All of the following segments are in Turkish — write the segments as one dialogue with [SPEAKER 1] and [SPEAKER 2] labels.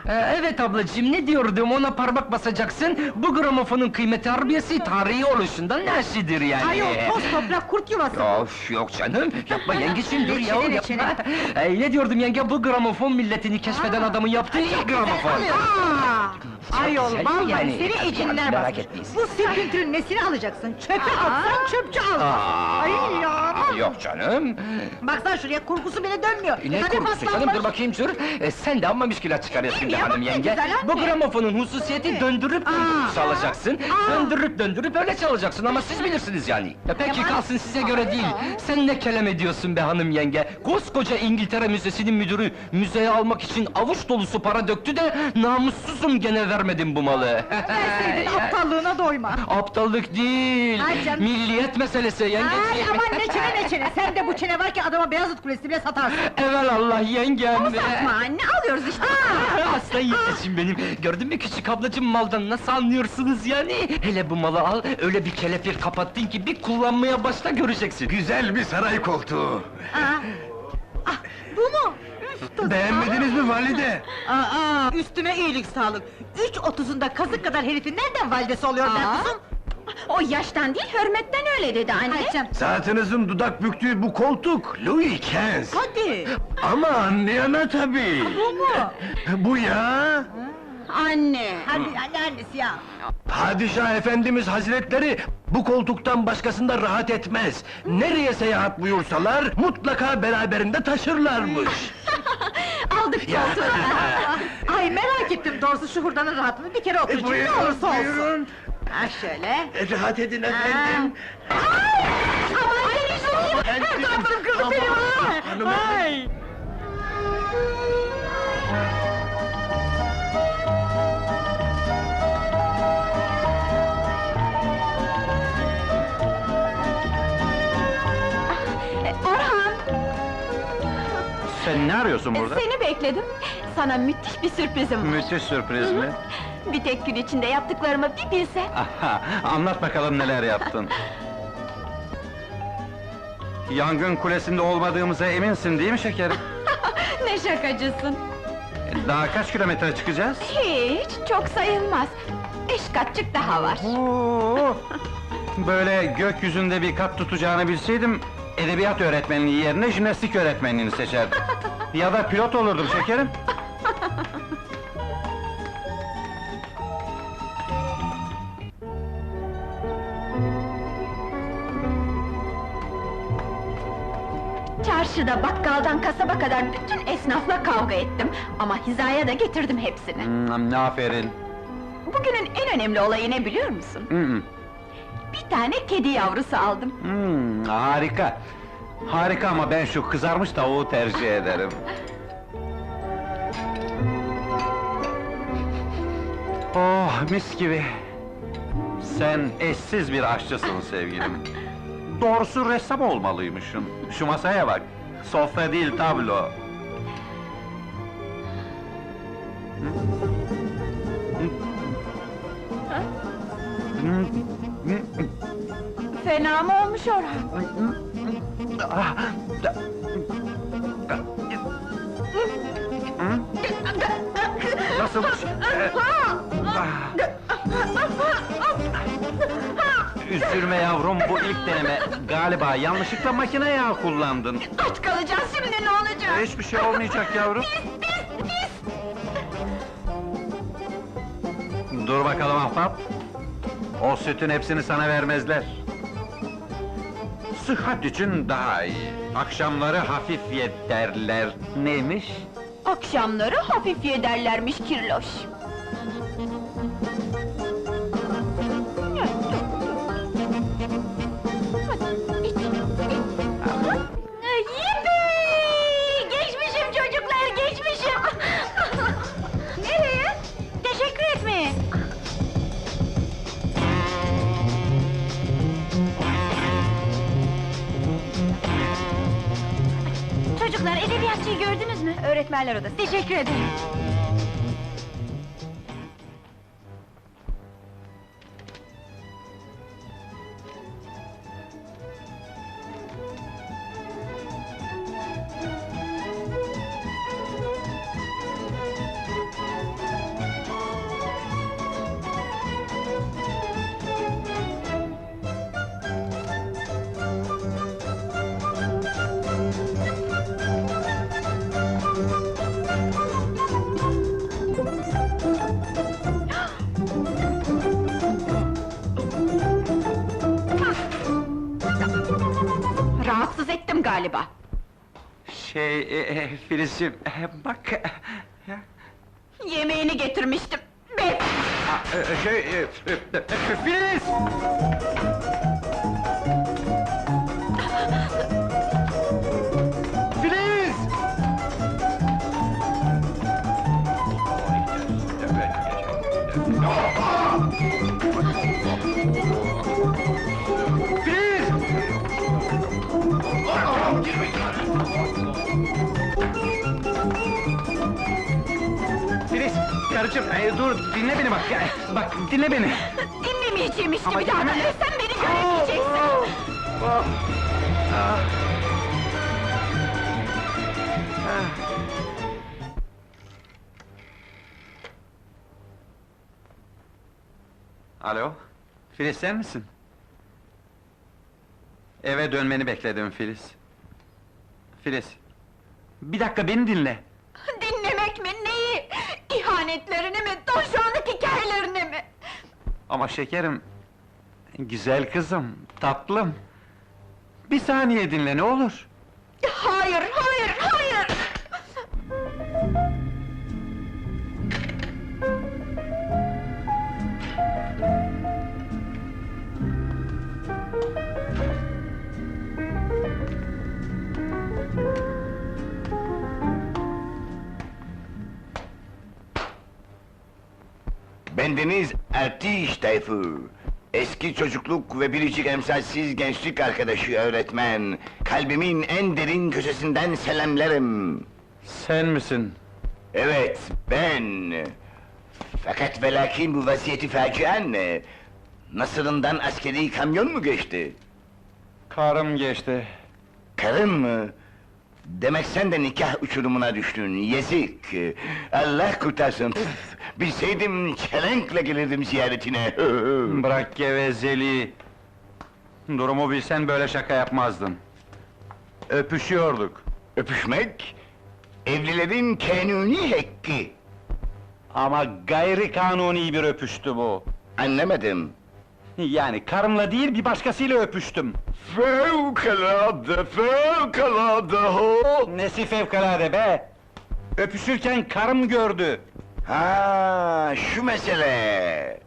[SPEAKER 1] Evet ablacığım, ne diyordum, ona parmak basacaksın. Bu gramofonun kıymeti harbiyesi tarihi oluşundan neşidir yani.
[SPEAKER 2] Ayol, toz toprak kurt yuvası!
[SPEAKER 1] Of, yok canım, yapma yengeciğim, dur ya,
[SPEAKER 2] Reçine,
[SPEAKER 1] yapma!
[SPEAKER 2] reçine.
[SPEAKER 1] Ne diyordum yenge, bu gramofon milletini keşfeden adamın yaptığı ilk gramofon!
[SPEAKER 2] Ayol,
[SPEAKER 1] güzel
[SPEAKER 2] vallahi
[SPEAKER 1] yani.
[SPEAKER 2] seni ecinler
[SPEAKER 1] Merak
[SPEAKER 2] basmış!
[SPEAKER 1] etmeyin.
[SPEAKER 2] Bu sirküntünün nesini alacaksın? Çöpe atsan çöpçü almaz! Ay ya!
[SPEAKER 1] Yok canım!
[SPEAKER 2] Baksana şuraya, kurgusu bile dönmüyor!
[SPEAKER 1] Ne
[SPEAKER 2] Hadi
[SPEAKER 1] korkusu canım,
[SPEAKER 2] paslanmış.
[SPEAKER 1] dur bakayım dur! Sen de amma müşkülat çıkarıyorsun
[SPEAKER 2] Değil
[SPEAKER 1] be
[SPEAKER 2] mi ya,
[SPEAKER 1] hanım
[SPEAKER 2] bak ne
[SPEAKER 1] yenge!
[SPEAKER 2] güzel anne.
[SPEAKER 1] Bu gramofonun hususiyeti döndürüp çalacaksın, döndürüp öyle çalacaksın ama siz bilirsiniz yani! Peki kalsın, size göre değil! Sen ne kelam ediyorsun be hanım yenge! Koskoca İngiltere Müzesi'nin müdürü, müzeye almak için avuç dolusu para döktü de, namussuzum gene vermedim bu malı!
[SPEAKER 2] Verseydin aptallığına doyma!
[SPEAKER 1] Aptallık değil,
[SPEAKER 2] Ay canım.
[SPEAKER 1] milliyet meselesi
[SPEAKER 2] Ay
[SPEAKER 1] yengeciğim!
[SPEAKER 2] aman ne çene ne çene! Sen de bu çene var ki adama Beyazıt Kulesi bile satarsın!
[SPEAKER 1] Evelallah yengem!
[SPEAKER 2] Satma anne, alıyoruz işte!
[SPEAKER 1] Aslan yetişim benim! Gördün mü küçük ablacığım, maldan nasıl anlıyorsunuz yani? Hele bu malı al, öyle bir kelepir kapattın ki bir kullanmaya başla göreceksin!
[SPEAKER 3] Güzel bir saray koltuğu.
[SPEAKER 2] Bu mu? Üf,
[SPEAKER 3] Beğenmediniz mi valide?
[SPEAKER 2] Üstüme iyilik sağlık! 3.30'unda kazık kadar herifin nereden validesi oluyor ben kuzum?
[SPEAKER 4] O yaştan değil, hürmetten öyle dedi anne.
[SPEAKER 2] Ay canım,
[SPEAKER 3] Zatınızın dudak büktüğü bu koltuk, Louis XV.
[SPEAKER 2] hadi!
[SPEAKER 3] Ama anlayana tabii.
[SPEAKER 2] Bu mu?
[SPEAKER 3] Bu ya!
[SPEAKER 4] Anne!
[SPEAKER 2] Hadi annesi ya!
[SPEAKER 3] Padişah efendimiz hazretleri, bu koltuktan başkasında rahat etmez. Nereye seyahat buyursalar, mutlaka beraberinde taşırlarmış.
[SPEAKER 4] Aldık koltuğu!
[SPEAKER 2] Ay merak ettim doğrusu şu hurdanın rahatını bir kere oturacağım, ne olursa olsun!
[SPEAKER 3] buyurun.
[SPEAKER 2] Ha şöyle!
[SPEAKER 3] Rahat edin efendim.
[SPEAKER 2] Her tarafım kırdı benim ha!
[SPEAKER 3] hanım.
[SPEAKER 2] Ay!
[SPEAKER 4] Orhan!
[SPEAKER 5] Sen ne arıyorsun burada?
[SPEAKER 4] Seni bekledim. Sana müthiş bir sürprizim var.
[SPEAKER 5] Müthiş sürpriz mi?
[SPEAKER 4] Bir tek gün içinde yaptıklarımı bir bilsen.
[SPEAKER 5] Aha, anlat bakalım neler yaptın. Yangın kulesinde olmadığımıza eminsin değil mi şekerim?
[SPEAKER 4] Ne şakacısın!
[SPEAKER 5] Daha kaç kilometre çıkacağız?
[SPEAKER 4] Hiç, çok sayılmaz. 5 katçık daha var.
[SPEAKER 5] Oo! Böyle gökyüzünde bir kat tutacağını bilseydim, edebiyat öğretmenliği yerine jimnastik öğretmenliğini seçerdim. Ya da pilot olurdum şekerim.
[SPEAKER 4] Çarşıda, bakkaldan kasaba kadar bütün esnafla kavga ettim. Ama hizaya da getirdim hepsini.
[SPEAKER 5] Aferin.
[SPEAKER 4] Bugünün en önemli olayı ne biliyor musun? Bir tane kedi yavrusu aldım.
[SPEAKER 5] Harika. Harika ama ben şu kızarmış tavuğu tercih ederim. Oh, mis gibi! Sen eşsiz bir aşçısın sevgilim. Doğrusu ressam olmalıymışsın. Şu masaya bak, sofra değil tablo.
[SPEAKER 4] Fena mı olmuş Orhan?
[SPEAKER 5] Nasılmış? Üzülme yavrum, bu ilk deneme. Galiba yanlışlıkla makine yağı kullandın.
[SPEAKER 4] Aç kalacağız şimdi, ne olacak?
[SPEAKER 5] Hiçbir şey olmayacak yavrum. Dur bakalım ahbap. O sütün hepsini sana vermezler. Sıhhat için daha iyi. Akşamları hafif ye derler. Neymiş?
[SPEAKER 4] Akşamları hafif ye derlermiş Kirloş. Yippee! Geçmişim çocuklar, geçmişim! Nereye? Teşekkür etmeye! Çocuklar, edebiyatçıyı gördünüz mü?
[SPEAKER 2] Öğretmenler odası!
[SPEAKER 4] Teşekkür ederim. galiba.
[SPEAKER 5] Filizciğim, bak...
[SPEAKER 4] Yemeğini getirmiştim. Be!
[SPEAKER 5] Filiz!
[SPEAKER 3] Filiz! Filiz!
[SPEAKER 5] Filiz, karıcığım, dur, dinle beni bak, bak, dinle beni!
[SPEAKER 4] Dinlemeyeceğim
[SPEAKER 5] Ama
[SPEAKER 4] bir daha da.
[SPEAKER 5] dinleme-
[SPEAKER 4] Sen beni göremeyeceksin.
[SPEAKER 5] Alo, Filiz sen misin? Eve dönmeni bekledim Filiz. Filiz, bir dakika beni dinle.
[SPEAKER 4] Dinlemek mi, neyi? İhanetlerini mi, donşonluk hikayelerini mi?
[SPEAKER 5] Ama şekerim, güzel kızım, tatlım. Bir saniye dinle ne olur.
[SPEAKER 4] Hayır, hayır, hayır!
[SPEAKER 6] Bendeniz Ertiş Tayfur. Eski çocukluk ve biricik emsalsiz gençlik arkadaşı öğretmen. Kalbimin en derin köşesinden selamlarım.
[SPEAKER 5] Sen misin?
[SPEAKER 6] Evet, ben. Fakat ve lakin bu vaziyeti facian ne? Nasırından askeri kamyon mu geçti?
[SPEAKER 5] Karım geçti.
[SPEAKER 6] Karın mı? Demek sen de nikah uçurumuna düştün, yazık! Allah kurtarsın, püf! Bilseydim çelenkle gelirdim ziyaretine!
[SPEAKER 5] Bırak gevezeliği. Durumu bilsen böyle şaka yapmazdın. Öpüşüyorduk.
[SPEAKER 6] Öpüşmek, evlilerin kanuni hakkı!
[SPEAKER 5] Ama gayri kanuni bir öpüştü bu.
[SPEAKER 6] Anlamadım!
[SPEAKER 5] Yani karımla değil bir başkasıyla öpüştüm.
[SPEAKER 6] Fevkalade, fevkalade ho!
[SPEAKER 5] Nesi fevkalade be! Öpüşürken karım gördü.
[SPEAKER 6] Ha, şu mesele!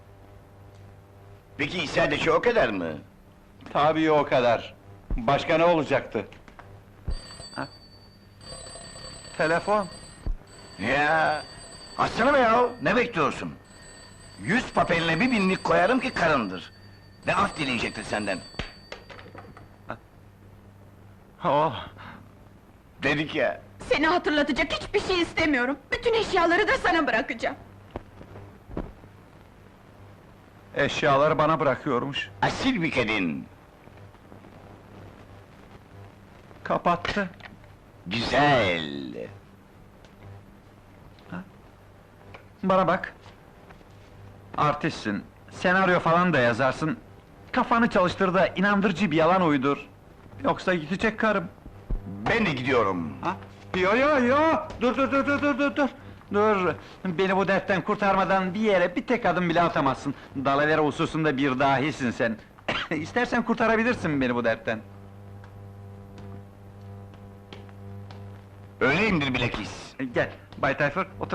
[SPEAKER 6] Peki sadece o kadar mı?
[SPEAKER 5] Tabii o kadar. Başka ne olacaktı? Ha? Telefon.
[SPEAKER 6] Ya, açsana be ya, ne bekliyorsun? 100 papeline bir binlik koyarım ki karındır. Ve af dileyecektir senden.
[SPEAKER 5] Oh,
[SPEAKER 6] Dedik ya.
[SPEAKER 4] Seni hatırlatacak hiçbir şey istemiyorum. Bütün eşyaları da sana bırakacağım.
[SPEAKER 5] eşyaları bana bırakıyormuş.
[SPEAKER 6] Asil bir kadın.
[SPEAKER 5] Kapattı.
[SPEAKER 6] Güzel.
[SPEAKER 5] Bana bak. Artistsin, senaryo falan da yazarsın. Kafanı çalıştır da inandırıcı bir yalan uydur. Yoksa gidecek karım.
[SPEAKER 6] Ben de gidiyorum.
[SPEAKER 5] Ha? Yo! Dur! Dur! Beni bu dertten kurtarmadan bir yere bir tek adım bile atamazsın. Dalavere hususunda bir dahisin sen. İstersen kurtarabilirsin beni bu dertten.
[SPEAKER 6] Öyleyimdir bilakis.
[SPEAKER 5] Gel, Bay Tayfur, otur.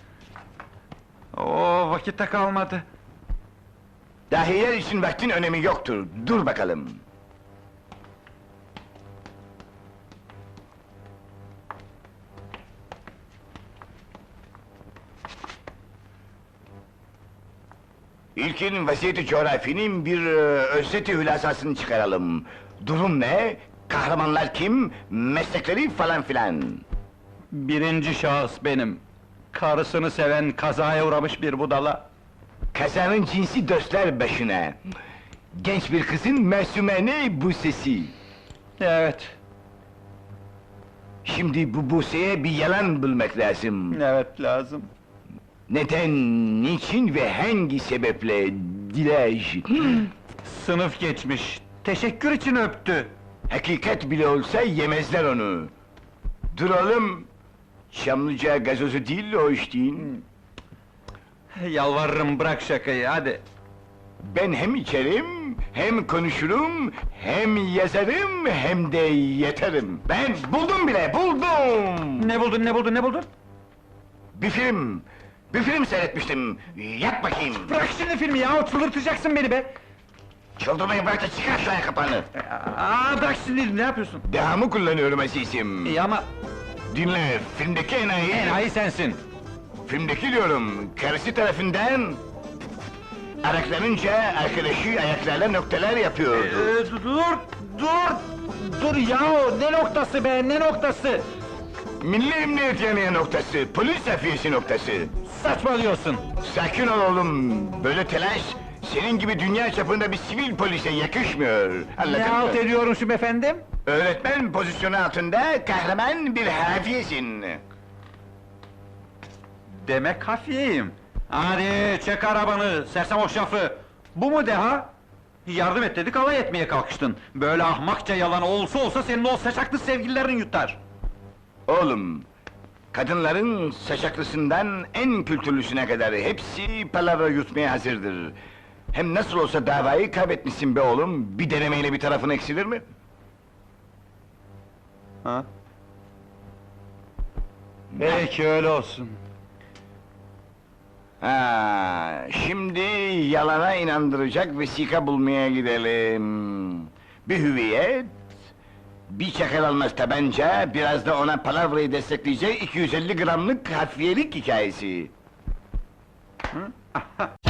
[SPEAKER 5] Oo, vakitte kalmadı.
[SPEAKER 6] Dahiler için vaktin önemi yoktur. Dur bakalım. İlkin vaziyeti coğrafinin bir özeti hülasasını çıkaralım. Durum ne? Kahramanlar kim? Meslekleri falan filan.
[SPEAKER 5] Birinci şahıs benim. Karısını seven, kazaya uğramış bir budala.
[SPEAKER 6] Kazanın cinsi dostlar başına. Genç bir kızın mesumene bu sesi.
[SPEAKER 5] Evet,
[SPEAKER 6] Şimdi bu Buse'ye bir yalan bulmak lazım.
[SPEAKER 5] evet lazım.
[SPEAKER 6] Neden, niçin ve hangi sebeple Dilaj?
[SPEAKER 5] Sınıf geçmiş, teşekkür için öptü.
[SPEAKER 6] Hakikat bile olsa yemezler onu. Duralım. Çamlıca gazozu değil o içtiğin.
[SPEAKER 5] Yalvarırım bırak şakayı, hadi.
[SPEAKER 6] Ben hem içerim, Hem konuşurum, hem yazarım, hem de yeterim. Ben buldum bile, buldum!
[SPEAKER 5] Ne buldun, ne buldun, ne buldun?
[SPEAKER 6] Bir film seyretmiştim. Yap bakayım!
[SPEAKER 5] Bırak şimdi filmi ya, çıldırtacaksın beni be!
[SPEAKER 6] Çıldırmayı bırak da çıkar şu ayakkabını!
[SPEAKER 5] Bırak şimdi, ne yapıyorsun?
[SPEAKER 6] Dehamı kullanıyorum azizim.
[SPEAKER 5] İyi ama
[SPEAKER 6] Dinle, filmdeki
[SPEAKER 5] enayi sensin!
[SPEAKER 6] filmdeki diyorum, karısı tarafından... Araklanınca arkadaşı ayaklarla noktalar yapıyordu.
[SPEAKER 5] Dur ya, ne noktası be, ne noktası?
[SPEAKER 6] Milli Emniyet Yanığı noktası, polis hafiyesi noktası.
[SPEAKER 5] Saçmalıyorsun!
[SPEAKER 6] Sakin ol oğlum, böyle telaş, senin gibi dünya çapında bir sivil polise yakışmıyor.
[SPEAKER 5] Ne
[SPEAKER 6] Anladın
[SPEAKER 5] halt
[SPEAKER 6] mı?
[SPEAKER 5] ediyorum şu efendim?
[SPEAKER 6] Öğretmen pozisyonu altında kahraman bir hafiyesin.
[SPEAKER 5] Demek hafiyeyim. Hadi çek arabanı, sersem hoşafı! Bu mu deha? Yardım et dedik, alay etmeye kalkıştın. Böyle ahmakça yalan olsa senin o saçaklı sevgililerin yutar.
[SPEAKER 6] Oğlum, kadınların saçaklısından en kültürlüsüne kadar hepsi palavra yutmaya hazırdır. Hem nasıl olsa davayı kaybetmişsin be oğlum, bir denemeyle bir tarafın eksilir mi?
[SPEAKER 5] Ha? Peki öyle olsun.
[SPEAKER 6] Ha, şimdi yalana inandıracak vesika bulmaya gidelim. Bir hüviyet, bir çakal almaz tabanca, biraz da ona palavrayı destekleyecek 250 gramlık hafiyelik hikayesi.